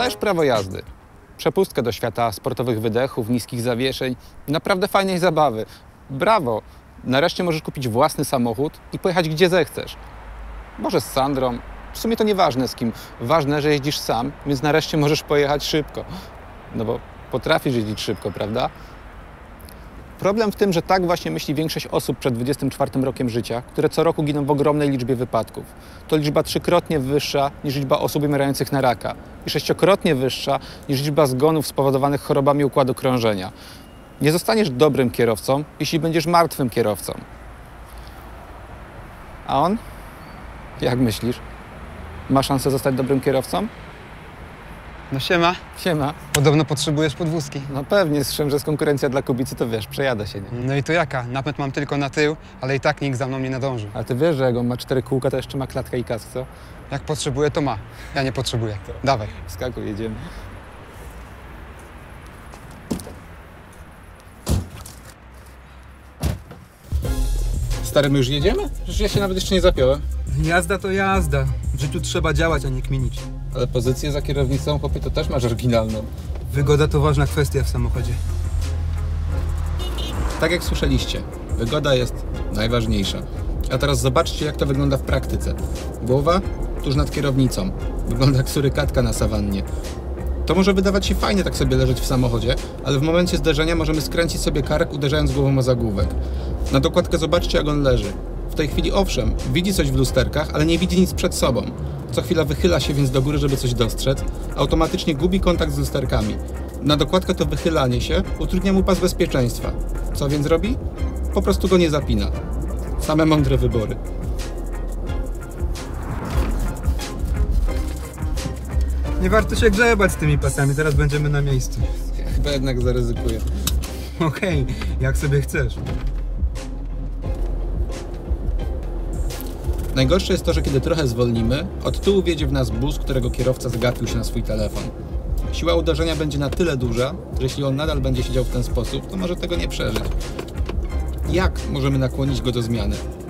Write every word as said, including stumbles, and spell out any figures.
Dostajesz prawo jazdy. Przepustkę do świata sportowych wydechów, niskich zawieszeń, naprawdę fajnej zabawy. Brawo! Nareszcie możesz kupić własny samochód i pojechać gdzie zechcesz. Może z Sandrą, w sumie to nieważne z kim. Ważne, że jeździsz sam, więc nareszcie możesz pojechać szybko. No bo potrafisz jeździć szybko, prawda? Problem w tym, że tak właśnie myśli większość osób przed dwudziestym czwartym rokiem życia, które co roku giną w ogromnej liczbie wypadków. To liczba trzykrotnie wyższa niż liczba osób umierających na raka i sześciokrotnie wyższa niż liczba zgonów spowodowanych chorobami układu krążenia. Nie zostaniesz dobrym kierowcą, jeśli będziesz martwym kierowcą. A on? Jak myślisz? Ma szansę zostać dobrym kierowcą? No siema. Siema. Podobno potrzebujesz podwózki. No pewnie, słyszałem, że jest konkurencja dla Kubicy, to wiesz, przejadę się, nie? No i to jaka? Napęd mam tylko na tył, ale i tak nikt za mną nie nadąży. Ale ty wiesz, że jak on ma cztery kółka, to jeszcze ma klatkę i kask, co? Jak potrzebuje, to ma. Ja nie potrzebuję. Dawaj. Skakuj, jedziemy. Stary, my już jedziemy? Przecież ja się nawet jeszcze nie zapiąłem. Jazda to jazda. W życiu trzeba działać, a nie kminić. Ale pozycję za kierownicą, chłopie, to też masz oryginalną. Wygoda to ważna kwestia w samochodzie. Tak jak słyszeliście, wygoda jest najważniejsza. A teraz zobaczcie, jak to wygląda w praktyce. Głowa tuż nad kierownicą. Wygląda jak surykatka na sawannie. To może wydawać się fajnie tak sobie leżeć w samochodzie, ale w momencie zderzenia możemy skręcić sobie kark, uderzając głową o zagłówek. Na dokładkę zobaczcie, jak on leży. W tej chwili owszem, widzi coś w lusterkach, ale nie widzi nic przed sobą. Co chwila wychyla się więc do góry, żeby coś dostrzec. Automatycznie gubi kontakt z lusterkami. Na dokładkę to wychylanie się utrudnia mu pas bezpieczeństwa. Co więc robi? Po prostu go nie zapina. Same mądre wybory. Nie warto się grzebać z tymi pasami, teraz będziemy na miejscu. Ja chyba jednak zaryzykuję. Okej, okay, jak sobie chcesz. Najgorsze jest to, że kiedy trochę zwolnimy, od tyłu wjedzie w nas bus, którego kierowca zgapił się na swój telefon. Siła uderzenia będzie na tyle duża, że jeśli on nadal będzie siedział w ten sposób, to może tego nie przeżyć. Jak możemy nakłonić go do zmiany?